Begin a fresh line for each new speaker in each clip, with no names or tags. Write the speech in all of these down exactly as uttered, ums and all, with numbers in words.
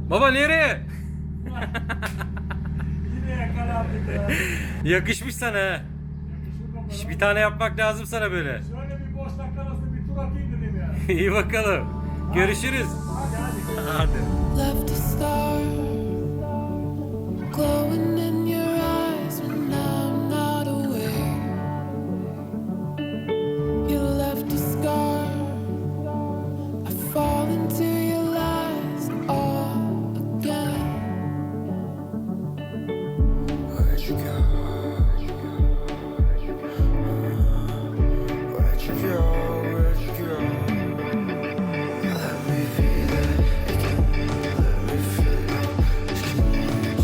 Baba nereye?
Yine yakalandık ya.
Yakışmış sana ha.
Yakışır mı
Şş,
bana?
bir tane yapmak lazım sana böyle.
Şöyle bir boş dakika arası bir tur atayım dedim ya.
İyi bakalım. Görüşürüz.
Hadi hadi.
Hadi.
Left a star glowing in your eyes when I'm not aware. You left a scar. I fall into your lies all again. Where'd you go? Where'd you go? Where'd you go? Let me feel it again. Let me feel it.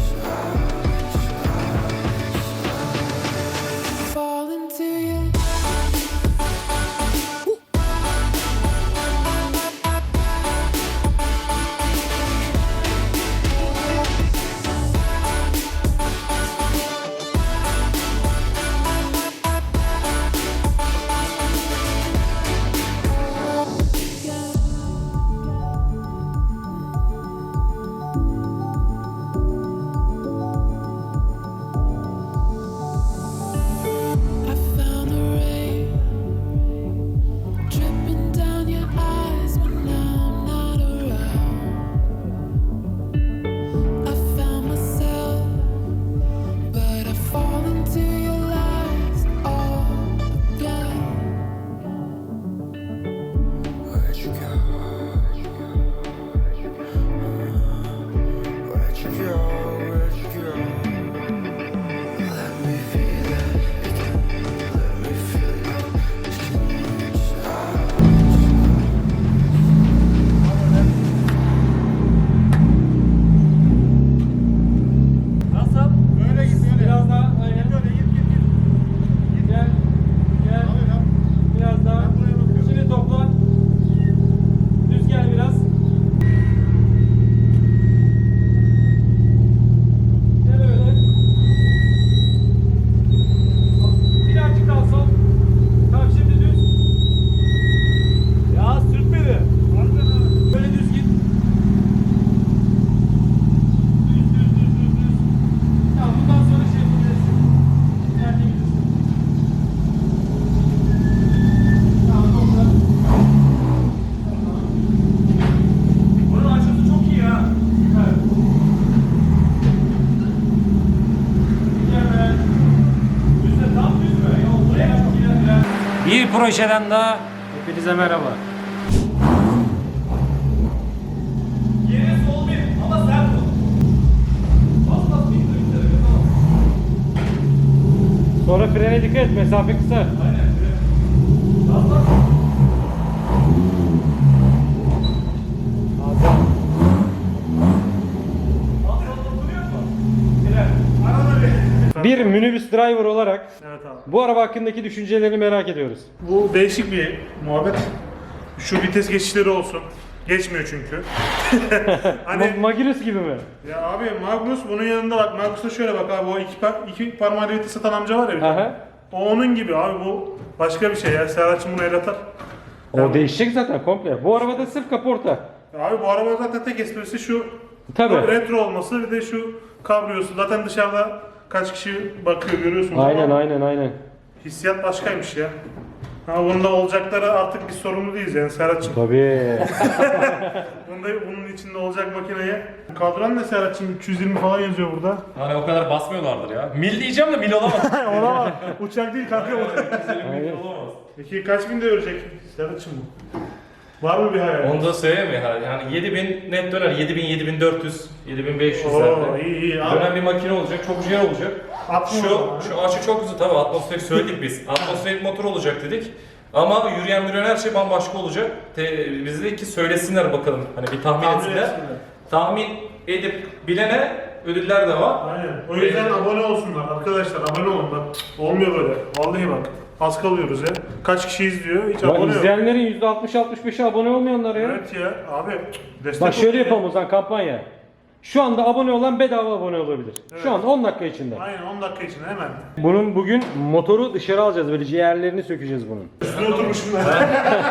Fall into your I found the rain dripping down your eyes when I'm not around. I found myself, but I fall into your lies all again. Where'd you go? Where'd you go? Where'd you go? Let me feel it again. Let me feel it.
Nasıl? Böyle git böyle.
Biraz daha, aynen.
Git böyle git git git.
Gel. Gel.
Abi ya.
Biraz daha.
Ben buraya bakıyorum.
Şimdi toplan. Düz gel biraz. Gel öyle. Birazcık daha sol. Tamam şimdi düz.
Ya sürt beni. Harbiden ha.
Böyle düz git. Düz düz düz düz düz. Tamam bundan sonra şey yapabilirsin. Nerede gidiyorsun? Tamam topla.
Bunun açısı çok iyi ha.
Süper. Mükemmel.
Düzde tam düz mü? Ya buraya çok iyi.
Bir projeden daha hepinize merhaba.
Yere sol bir ama sert ol. Bas bas bir dur bir dur. Tamam.
Sonra frene dikkat et, mesafe kısa.
Aynen. Bas bas. Bas bas dokunuyor mu? Fren. Arada bir.
Bir minibüs driver olarak
Evet abi.
bu araba hakkındaki düşüncelerini merak ediyoruz.
Bu değişik bir muhabbet. Şu vites geçişleri olsun. Geçmiyor çünkü. hani
Ma- Magirus gibi mi?
ya abi Magnus bunun yanında bak Magnus'a şöyle bak abi o iki, par iki parmağıyla vites atan amca var ya bir tane.
Aha.
O onun gibi abi bu başka bir şey ya. Serhat'cığım bunu el atar.
O değişecek zaten komple. Bu arabada sırf kaporta.
Abi bu araba zaten tek esprisi şu
Tabii.
retro olması bir de şu kabriyosu. Zaten dışarıda kaç kişi bakıyor görüyorsunuz.
Aynen
ama
aynen aynen.
hissiyat başkaymış ya. Ha bunda olacakları artık biz sorumlu değiliz yani Serhat'cığım.
Tabii.
Bunda bunun içinde olacak makineye. Kadran ne Serhat'cığım üç yüz yirmi falan yazıyor burada.
Hani o kadar basmıyorlardır ya. Mil diyeceğim de mil olamaz.
Olamaz. Uçak değil kanka bu.
Aynen.
olamaz.
Peki kaç bin de örecek Serhat'cığım bu? Var mı bir hayal?
Onu da söyleyeyim mi? Yani yedi bin net döner. yedi bin, yedi bin dört yüz, yedi bin beş yüz
Oo
zaten.
iyi iyi. Abi,
Dönen bir makine olacak. Çok güzel olacak.
Atmıyor
Şu,
ama.
şu açı çok güzel. Tabii atmosferik söyledik biz. Atmosferik motor olacak dedik. Ama yürüyen yürüyen her şey bambaşka olacak. Te, biz dedik ki söylesinler bakalım. Hani bir tahmin,
Tahmin
etsinler.
etsinler.
Tahmin edip bilene ödüller de var.
Aynen. O yüzden abone olsunlar arkadaşlar. Abone olun bak. Olmuyor böyle. Vallahi bak. Az kalıyoruz ya. Kaç kişi izliyor? Hiç
Ya
abone yok.
izleyenlerin yüzde altmış altmış beşi abone olmayanlar ya.
Evet ya abi. Destek
Bak şöyle
olun ya.
yapalım o zaman kampanya.
Şu anda abone olan bedava abone olabilir. Şu anda on dakika içinde.
Aynen on dakika içinde hemen.
Bunun bugün motoru dışarı alacağız, böyle ciğerlerini sökeceğiz bunun.
Üstüne oturmuşum ben.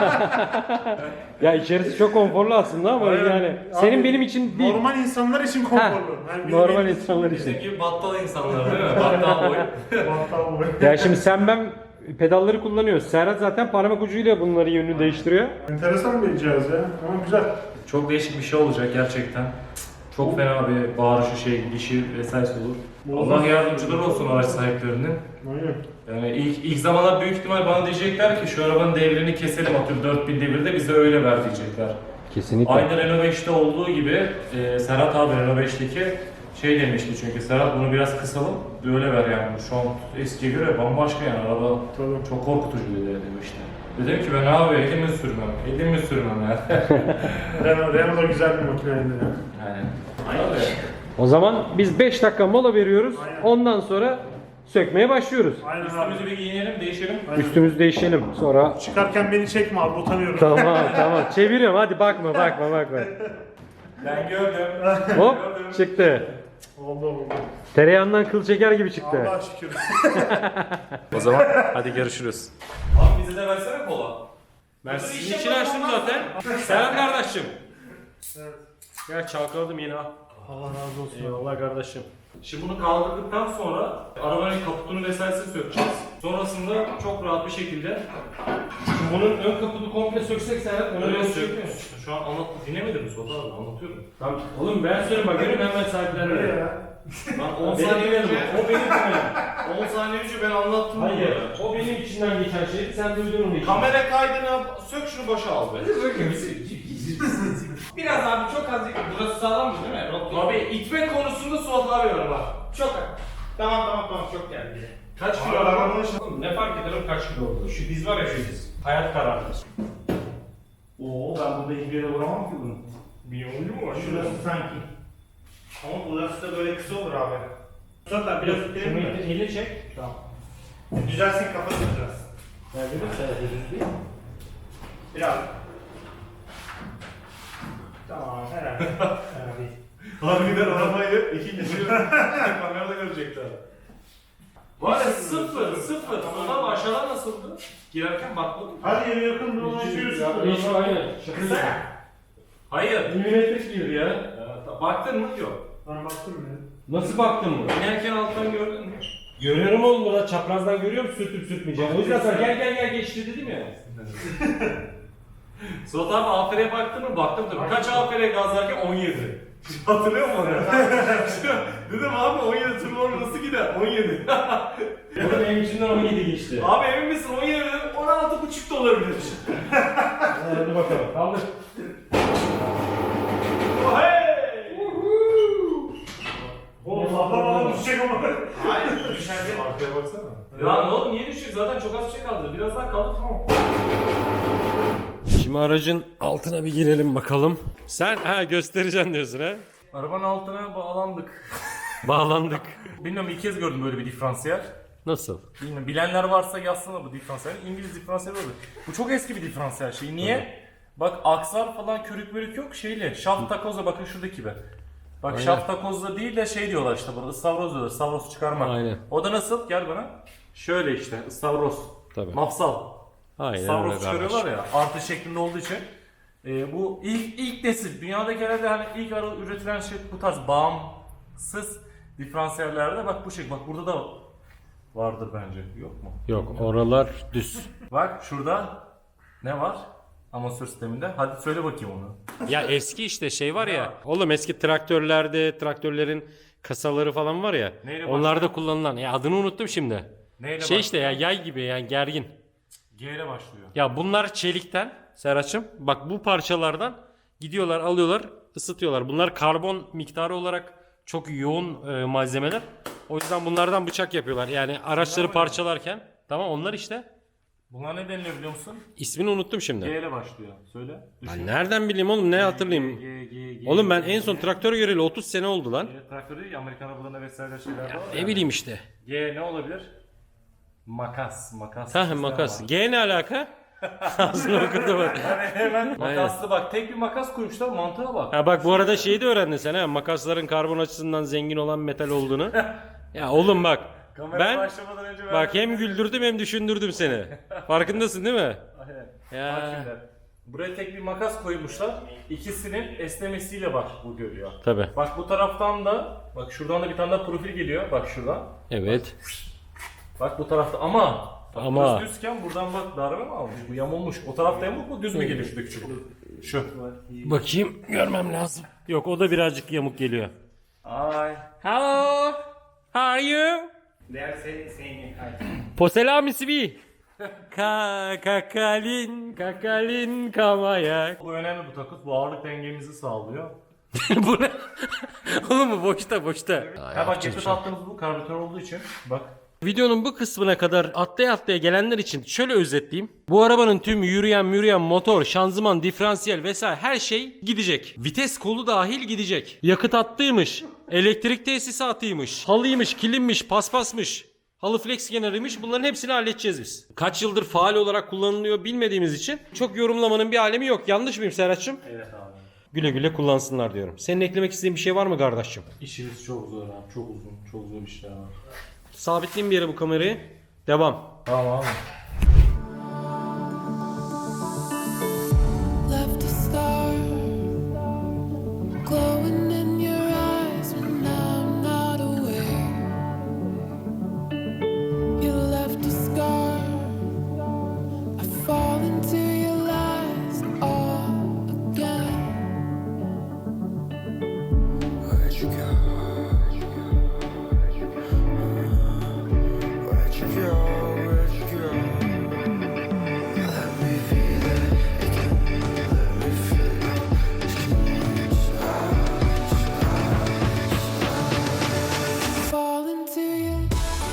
Ya içerisi çok konforlu aslında ama
Aynen.
yani
Abi,
senin benim için değil.
Normal insanlar için
Heh,
konforlu. Yani bizim
normal
benim-
insanlar için.
Bizim gibi battal insanlar değil mi? Battal boy.
Battal boy.
Ya şimdi sen ben pedalları kullanıyoruz. Serhat zaten parmak ucuyla bunları yönünü değiştiriyor.
Enteresan bir cihaz ya. Ama güzel.
Çok değişik bir şey olacak gerçekten. Çok fena bir bağırışı şey, gidişi vesaire olur. Allah yardımcıları olsun araç sahiplerinin.
Aynen.
Yani ilk, ilk zamanlar büyük ihtimal bana diyecekler ki şu arabanın devrini keselim, atıyorum dört bin devirde bize öyle ver diyecekler.
Kesinlikle.
Aynı Renault beşte olduğu gibi e, Serhat abi Renault beşteki şey demişti çünkü Serhat bunu biraz kısalım böyle ver yani. Şu an eskiye göre bambaşka yani araba
Tabii.
çok korkutucu dedi demişti. Dedim ki ben abi elimi sürmem, elimi sürmem ya.
Renault, Renault da güzel bir makineydi ya.
Yani. Abi.
O zaman biz beş dakika mola veriyoruz.
Aynen.
Ondan sonra sökmeye başlıyoruz.
Aynen abi.
Üstümüzü bir giyinelim, değişelim.
Aynen.
Üstümüzü değişelim. Sonra
Çıkarken beni çekme abi utanıyorum.
tamam tamam çeviriyorum, hadi bakma bakma bakma.
Ben gördüm.
Hop çıktı.
Oldu oldu.
Tereyağından kıl çeker gibi çıktı.
Allah şükür.
O zaman hadi görüşürüz. Abi bize de versene kola.
Ben sizin için açtım zaten. Selam kardeşim. Ya çalkaladım yine ha.
Allah razı olsun.
Eyvallah kardeşim.
Şimdi bunu kaldırdıktan sonra arabanın kaputunu vesairesini sökeceğiz. Sonrasında çok rahat bir şekilde
Bunun ön kapını komple söksek Serhat onu
öyle
öyle
sök.
sökmüyoruz.
Şu an anlat dinlemedin mi Suat abi? Anlatıyorum.
Tamam. Oğlum ben söyleyeyim bak görün hemen
Nereye
sahiplenmiyor.
ya?
Ben on
Benim
saniye
benim
önce,
o benim benim.
on saniye önce ben anlattım.
Hayır. O benim içinden geçen şeydi. Sen duydun onu.
Kamera kaydını sök şunu başa al be.
Biraz abi çok az. Burası sağlam mı değil mi? Rock
Abi itme konusunda Suat abi var bak.
Çok Tamam tamam tamam çok geldi.
Kaç
Abi
kilo araba?
arabanın
Oğlum ne fark eder o kaç kilo oldu? Şu biz var ya şu biz. Hayat kararlı.
Oo ben burada hiçbir yere vuramam ki bunu.
Bir oyuncu mu var? Şurası sanki. Ama burası da böyle kısa olur abi. Sonra biraz ittirelim mi?
Eli çek.
Tamam. Düzelsin kafası düzelsin.
Ya dedim Serhat düzgün.
Biraz. Tamam herhalde. herhalde.
Harbiden arabayı ikinci kamerada görecekler. Var ya sıfır sıfır. Ondan aşağıdan nasıldı? Girerken bakmadım.
Hadi yere yakın bir olay yaşıyorsun.
Hiç aynen.
Kısa.
Hayır.
Milimetrik bir ya.
Ee, Baktın mı? Yok.
Ben baktım ya.
Nasıl baktın mı?
İnerken alttan gördün mü?
Görüyorum oğlum burada çaprazdan görüyorum sürtüp sürtmeyeceğim. O yüzden sana gel gel gel geçti dedim ya.
Suat abi A F R'ye baktın mı? Baktım tabii. Kaç A F R gazlarken on yedi. Hatırlıyor musun onu? Dedim abi on yedi turbo nasıl gider? on yedi.
Oğlum benim içinden on yedi geçti.
Abi emin misin on yedi dedim on altı buçuk da olabilir.
Hadi bakalım. Kaldır.
Oh, hey!
Oğlum sallamadan düşecek ama.
Hayır düşerse.
Arkaya baksana.
Ya ne oğlum niye düşecek? Zaten çok az bir şey kaldı. Biraz daha kaldı tamam.
Şimdi aracın altına bir girelim bakalım. Sen ha göstereceksin diyorsun ha.
Arabanın altına bağlandık.
Bağlandık.
Bilmiyorum ilk kez gördüm böyle bir diferansiyel.
Nasıl?
Bilmiyorum bilenler varsa yazsana bu diferansiyel. İngiliz diferansiyel olur. Bu çok eski bir diferansiyel şey. Niye? Bak aksar falan körük mörük yok şeyle. Şaft takozla bakın şuradaki gibi. Bak
Aynen.
şaft takozla değil de şey diyorlar işte burada ıstavroz diyorlar. Stavroz çıkarmak.
Aynen.
O da nasıl? Gel bana. Şöyle işte ıstavroz.
Tabii.
Mafsal.
Aynen
Stavroz
öyle
çıkarıyorlar
kardeşim.
ya artı şeklinde olduğu için. E, bu ilk ilk nesil. Dünyadaki herhalde hani ilk ara üretilen şey bu tarz bağımsız diferansiyellerde bak bu şey. Bak burada da vardır bence. Yok mu?
Yok oralar düz.
Bak şurada ne var? Amatör sisteminde. Hadi söyle bakayım onu.
Ya eski işte şey var ya. Oğlum eski traktörlerde traktörlerin kasaları falan var ya.
Neyle
Onlarda
başlıyor?
kullanılan. Ya adını unuttum şimdi.
Neyle
Şey işte
başlıyor?
ya yay gibi yani gergin.
G ile başlıyor.
Ya bunlar çelikten Serhat'cığım. Bak bu parçalardan gidiyorlar alıyorlar ısıtıyorlar. Bunlar karbon miktarı olarak çok yoğun e, malzemeler. O yüzden bunlardan bıçak yapıyorlar. Yani araçları parçalarken. Tamam onlar işte.
Bunlar ne deniliyor biliyor musun?
İsmini unuttum
G
şimdi.
ile başlıyor. Söyle.
Ben nereden bileyim oğlum ne hatırlayayım.
G, G, G,
Oğlum ben
G,
en son
G.
traktör göreli otuz sene oldu lan.
G traktörü değil, Amerikan arabalarında vesaire şeyler var.
Ne
yani.
bileyim işte.
G ne olabilir? Makas, makas.
Hah
sistem
makas.
var.
G ne alaka? Ağzını okudu bak.
Hemen makaslı bak, tek bir makas koymuşlar, mantığa bak.
Ha bak bu arada şeyi de öğrendin sen ha. Makasların karbon açısından zengin olan metal olduğunu. Ya oğlum bak.
Kamera
Ben
başlamadan önce
bak hem güldürdüm hem düşündürdüm seni. Farkındasın değil mi?
Aynen. Bak
Ya.
şimdi. Buraya tek bir makas koymuşlar. İkisinin esnemesiyle bak bu görüyor.
Tabi.
Bak bu taraftan da, bak şuradan da bir tane daha profil geliyor. Bak şuradan.
Evet.
Bak bu tarafta ama bak
Ama.
burası düzken buradan bak darbe mi almış? Bu yamulmuş. O tarafta yamuk mu, düz mü geliyor şuradaki çubuk? Şu.
Bakayım görmem lazım. Yok o da birazcık yamuk geliyor.
Ay.
Hello. How are you?
They are saying, saying hi.
Poselam ismi. Ka kakalin kakalin kamaya.
Bu önemli bu takus. Bu ağırlık dengemizi sağlıyor.
Bu ne? Oğlum bu boşta boşta.
Ha bak yakıt attığımız bu karbüratör olduğu için. Bak.
Videonun bu kısmına kadar atlaya atlaya gelenler için şöyle özetleyeyim. Bu arabanın tüm yürüyen yürüyen motor, şanzıman, diferansiyel vesaire her şey gidecek. Vites kolu dahil gidecek. Yakıt hattıymış, elektrik tesisatıymış, halıymış, kilimmiş, paspasmış, halı flex kenarıymış, bunların hepsini halledeceğiz biz. Kaç yıldır faal olarak kullanılıyor bilmediğimiz için çok yorumlamanın bir alemi yok. Yanlış mıyım Serhat'cığım?
Evet abi.
Güle güle kullansınlar diyorum. Senin eklemek istediğin bir şey var mı kardeşim?
İşimiz çok zor abi. Çok uzun. Çok zor işler var.
Sabitleyeyim bir yere bu kamerayı. Devam.
Tamam abi.
Left a star glowing in your eyes when I'm not aware. You left a scar. I fall into your lies all again. Where'd you go? Where'd you go? Where'd you go? Let me be there again. Let me feel your skin inside. Fall into you.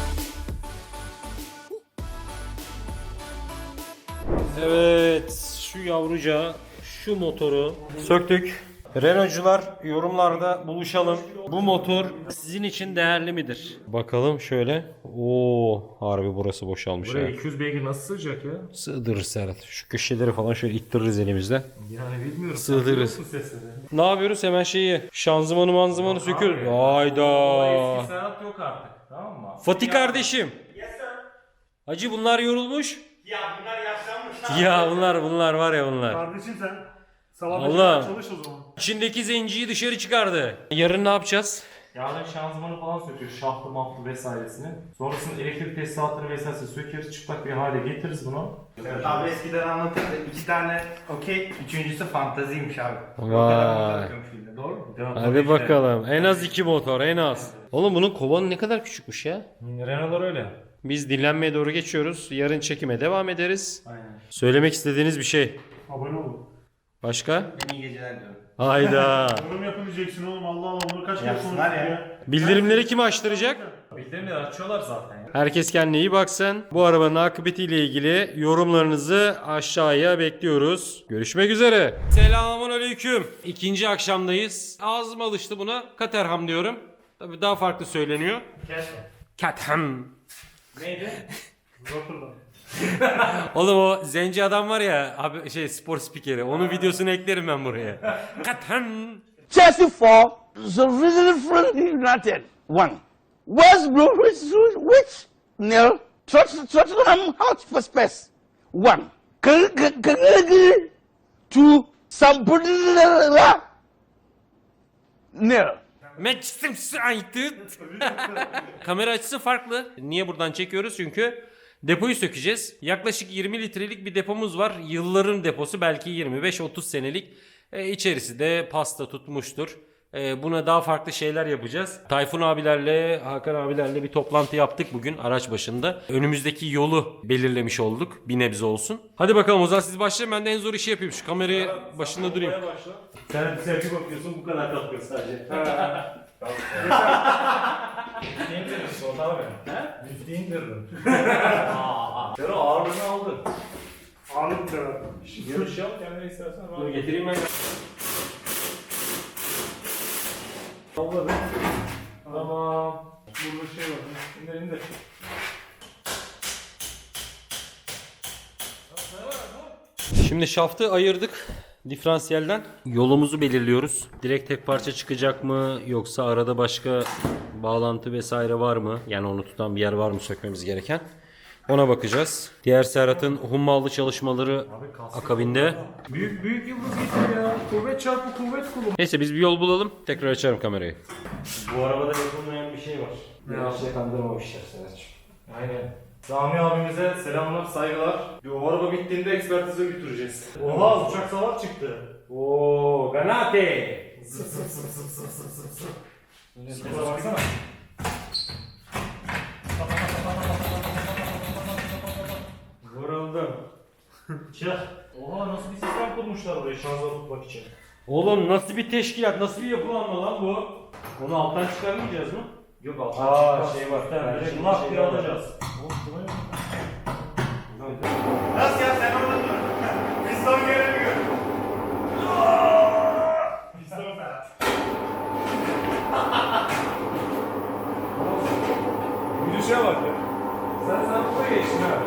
Evet, şu yavruca, şu motoru söktük. Renault'cular yorumlarda buluşalım. Bu motor sizin için değerli midir? Bakalım şöyle. Oo, harbi burası boşalmış
Buraya
ya.
iki yüz beygir nasıl sığacak ya?
Sığdırırız Serhat. Şu köşeleri falan şöyle ittiririz elimizle.
Yani bilmiyorum.
Sığdırırız.
Nasıl sesleri?
Ne yapıyoruz? Hemen şeyi şanzımanı manzımanı söküyoruz. Hayda.
Eski Serhat yok artık. Tamam mı?
Fatih kardeşim.
Yes sir.
Hacı bunlar yorulmuş.
Ya bunlar yaşlanmışlar.
Ya bunlar bunlar var ya bunlar.
Kardeşim sen sabah
Allah.
beşte çalış o zaman.
İçindeki zenciyi dışarı çıkardı. Yarın ne yapacağız?
Yarın şanzımanı falan söküyoruz. Şaftı maftı vesairesini. Sonrasında elektrik tesisatını vesairesini sökeriz. Çıplak bir hale getiririz bunu.
Abi eskiden anlatırdı. İki tane okey, üçüncüsü fantaziymiş abi.
Vay.
Doğru mu?
Hadi bakalım. En az iki motor en az. Oğlum bunun kovanı ne kadar küçükmüş ya.
Renault'lar öyle.
Biz dinlenmeye doğru geçiyoruz. Yarın çekime devam ederiz.
Aynen.
Söylemek istediğiniz bir şey.
Abone olun.
Başka?
İyi geceler diyorum.
Hayda.
Yorum yapın diyeceksin oğlum. Allah Allah bunu kaç kere
Yapsınlar
konuştuk
ya.
ya.
Bildirimleri kim açtıracak?
Bildirimleri açıyorlar zaten ya.
Herkes kendine iyi baksın. Bu arabanın akıbetiyle ilgili yorumlarınızı aşağıya bekliyoruz. Görüşmek üzere. Selamun aleyküm. İkinci akşamdayız. Ağzım alıştı buna. Katerham diyorum. Tabii daha farklı söyleniyor. Katerham.
Neydi?
Rotterdam.
Oğlum o zenci adam var ya abi şey spor spikeri. Onun videosunu eklerim ben buraya. Katerham.
Chelsea four, the Liverpool United one. West Bromwich which nil, Tot- Tottenham Hotspur one. K- K- K- to Sampdoria nil.
Manchester United. Kamera açısı farklı. Niye buradan çekiyoruz? Çünkü depoyu sökeceğiz. Yaklaşık yirmi litrelik bir depomuz var. Yılların deposu belki yirmi beş otuz senelik. E, içerisi de pasta tutmuştur. E, buna daha farklı şeyler yapacağız. Tayfun abilerle, Hakan abilerle bir toplantı yaptık bugün araç başında. Önümüzdeki yolu belirlemiş olduk. Bir nebze olsun. Hadi bakalım o zaman siz başlayın. Ben de en zor işi yapayım. Şu kamerayı başında durayım.
Sen bir selfie bakıyorsun, bu kadar kalkıyor sadece. Yüzde indirdin Suat abi. He? Yüzde indirdin. Sero ağırlığını aldın.
Ağırlık da.
Yarış yap kendine istersen.
Dur getireyim ben.
Salladım. Tamam. Burada şey var. İndir indir.
Şimdi şaftı ayırdık diferansiyelden. Yolumuzu belirliyoruz. Direkt tek parça çıkacak mı yoksa arada başka bağlantı vesaire var mı? Yani onu tutan bir yer var mı sökmemiz gereken? Ona bakacağız. Diğer Serhat'ın hummalı çalışmaları akabinde.
Büyük büyük yıldız getir ya. Kuvvet çarpı kuvvet kulu.
Neyse biz bir yol bulalım. Tekrar açarım kamerayı.
Bu arabada yapılmayan bir şey var. Ya şey kandırmamışlar Serhat'cığım. Aynen. Sami abimize selamlar, saygılar. O araba bittiğinde ekspertize götüreceğiz. Oha uçak savar çıktı.
Oo, Ganate.
Zıp zıp zıp zıp zıp zıp zıp zıp. Sese baksana.
Vuruldum.
Çık. Oha nasıl bir sistem kurmuşlar oraya şanzıman tutmak için.
Oğlum nasıl bir teşkilat, nasıl bir yapılanma lan bu? Onu alttan çıkarmayacağız mı?
Yok alttan
Aa,
çıkmaz.
şey var.
Yani
Belki
şimdi lak
şey
diye
var.
alacağız.
Nasıl ya sen orada dur. Piston gelemiyor. Piston Ferhat.
Gülüşe bak ya. Sen sen buraya geçtin ha.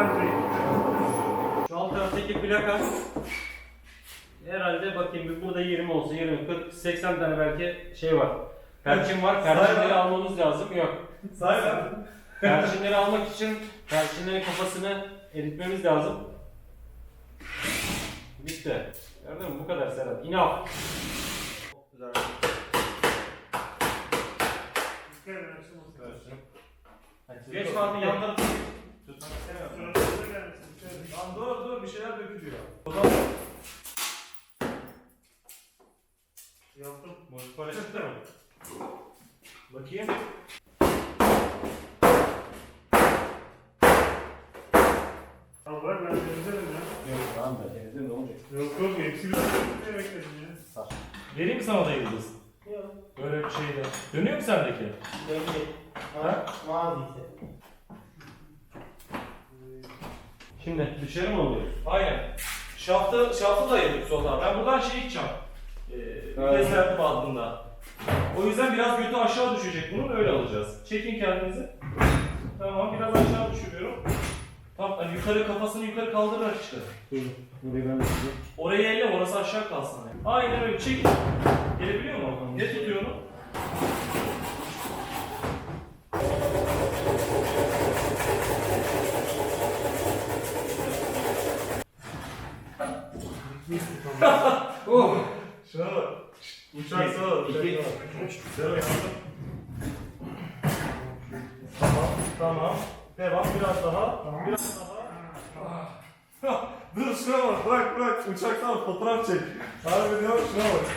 Şu alt taraftaki plaka herhalde bakayım bir burada yirmi olsa yirmi, kırk, seksen tane belki şey var. Perçin var. Perçinleri almamız lazım. Yok.
Say lan.
Perçinleri almak için perçinlerin kafasını eritmemiz lazım. Bitti. Gördün mü? Bu kadar Serhat. Enough. Geç Fatih yan tarafı.
Lan dur dur bir şeyler dökülüyor.
Yaptım.
Modifare çıktı mı? Bakayım.
Tamam bırak ben temizlerim ya.
Yok tamam da temizle ne olacak?
Yok yok hepsi bir şey bekledim ya.
Vereyim mi sana da yıldız? Yok. Böyle bir şeyde. Dönüyor mu sendeki?
Döndü.
Ha?
Vaziyse. Şimdi dışarı mı oluyor?
Aynen. Şaftı, şaftı da yedik soldan. Ben buradan şey gideceğim. Ee, vites sertli bandında. O yüzden biraz götü aşağı düşecek bunun öyle alacağız. Çekin kendinizi. Tamam biraz aşağı düşürüyorum. Tamam hani yukarı kafasını yukarı kaldırarak işte.
Burayı ben tutayım.
Orayı elle orası aşağı kalsın. Yani. Aynen öyle çekin. Gelebiliyor mu? Ne tutuyor onu?
Oh!
Şuna bak. Uçak sağ ol.
İki.
Güzel yaptın. Tamam, tamam. Devam biraz daha. Biraz daha. Dur şuna bak, bırak bırak. Uçaktan fotoğraf çek. Harbi diyor, şuna bak.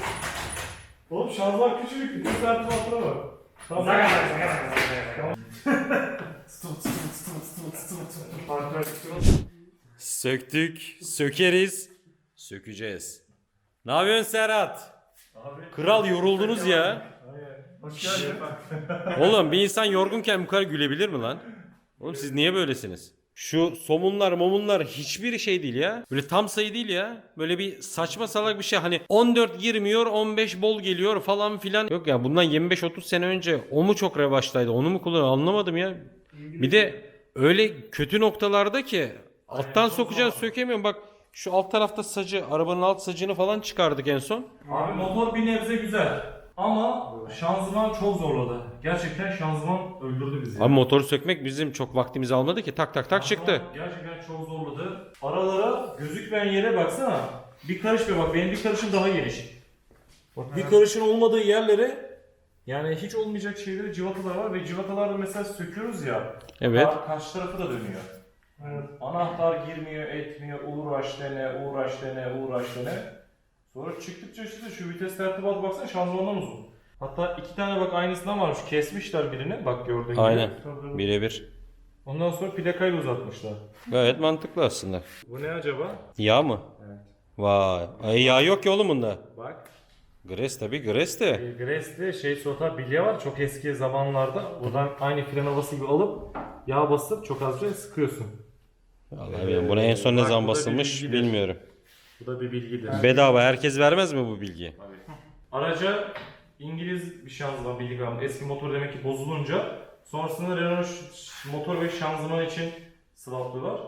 Oğlum şanzıman küçücük, bütün sertim altına bak. Tamam. Tamam. Stut, stut, stut, stut, stut, stut.
Söktük, sökeriz, sökeceğiz. Ne yapıyorsun Serhat?
Abi.
Kral yoruldunuz ya.
Aynen. Hoş geldin.
Oğlum bir insan yorgunken bu kadar gülebilir mi lan? Oğlum siz niye böylesiniz? Şu somunlar momunlar hiçbir şey değil ya. Böyle tam sayı değil ya. Böyle bir saçma salak bir şey. Hani on dört girmiyor on beş bol geliyor falan filan. Yok ya bundan yirmi beş otuz sene önce o mu çok revaçtaydı onu mu kullanıyor anlamadım ya. Bir de öyle kötü noktalarda ki alttan sokacaksın sökemiyorum. Bak şu alt tarafta sacı arabanın alt sacını falan çıkardık en son.
Abi motor bir nebze güzel. Ama şanzıman çok zorladı. Gerçekten şanzıman öldürdü bizi.
Abi motoru sökmek bizim çok vaktimizi almadı ki tak tak tak çıktı.
Gerçekten çok zorladı. Aralara gözükmeyen yere baksana. Bir karış bir bak benim bir karışım daha geniş. Bak bir karışın olmadığı yerlere yani hiç olmayacak şeyleri civatalar var ve civatalarda mesela söküyoruz ya.
Evet.
Ka- karşı tarafı da dönüyor.
Evet.
Anahtar girmiyor, etmiyor, uğraş dene, uğraş dene, uğraş dene. Sonra çıktıkça işte şu vites tertibatı baksana şanzımandan uzun. Hatta iki tane bak aynısından varmış. Kesmişler birini. Bak gördüğün gibi.
Aynen. Birebir.
Ondan sonra plakayla uzatmışlar.
Gayet mantıklı aslında.
Bu ne acaba?
Yağ mı?
Evet.
Vay. Ay yağ yok ki oğlum bunda.
Bak.
Gres tabi Gres de.
E, Gres'te şey sota bilye var. Çok eski zamanlarda. Buradan aynı fren havası gibi alıp yağ basıp çok azca sıkıyorsun.
Vallahi bilmiyorum. Buna en son ne
Bak,
zaman
bu da bir
basılmış
bilgidir.
bilmiyorum.
Bu da bir bilgidir.
Bedava herkes vermez mi bu bilgiyi?
Araca İngiliz bir şanzıman bildik ama eski motor demek ki bozulunca sonrasında Renault ş- motor ve şanzıman için sıvaplıyorlar.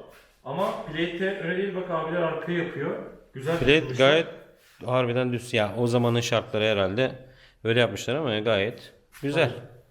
Ama plate öyle değil, bak abiler arkayı yapıyor. Güzel.
Bilet
duruşu.
gayet harbiden düz. Ya o zamanın şartları herhalde öyle yapmışlar ama gayet güzel.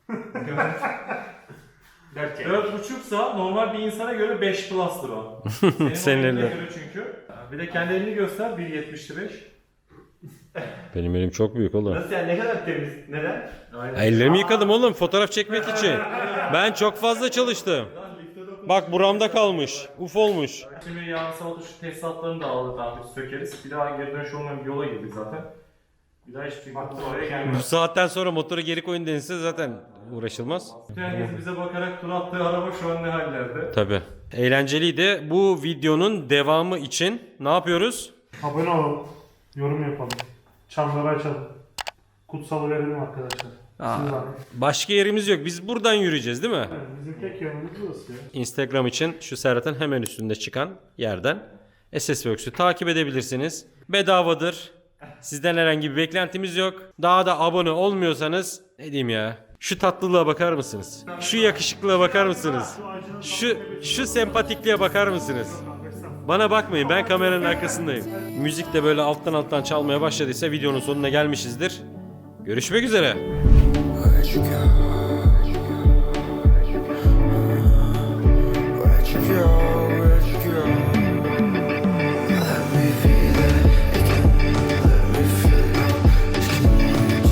dört buçuksa normal bir insana göre beş plus'tır o. Senin,
Senin
o eline
eline.
göre çünkü. Bir de kendi elini göster, bir yetmiş beş.
Benim elim çok büyük oğlum.
Nasıl yani, ne kadar temiz? Neden?
Ellerimi yıkadım oğlum fotoğraf çekmek için. Ben çok fazla çalıştım. Bak buramda kalmış. Uf olmuş.
Şimdi yarın sabah şu tesisatlarını da aldık abi, sökeriz. Bir daha geri dönüş olmayan bir yola girdik zaten. Bir daha hiçbir sıkıntı oraya
Bu
gelmez.
saatten sonra motoru geri koyun denilse zaten uğraşılmaz.
Bütün herkes bize bakarak tur attığı araba şu an ne hallerde?
Tabi. Eğlenceliydi. Bu videonun devamı için ne yapıyoruz?
Abone olalım. Yorum yapalım. Çanları açalım. Kutsalı verelim arkadaşlar. Siz bakın.
Başka yerimiz yok. Biz buradan yürüyeceğiz değil mi?
Evet, bizim tek yönümüz burası ya.
Instagram için şu Serhat'ın hemen üstünde çıkan yerden S S Works'ü takip edebilirsiniz. Bedavadır. Sizden herhangi bir beklentimiz yok. Daha da abone olmuyorsanız ne diyeyim ya? Şu tatlılığa bakar mısınız? Şu yakışıklılığa bakar mısınız? Şu şu sempatikliğe bakar mısınız? Bana bakmayın, ben kameranın arkasındayım. Müzik de böyle alttan alttan çalmaya başladıysa videonun sonuna gelmişizdir. Görüşmek üzere.
Where'd you go?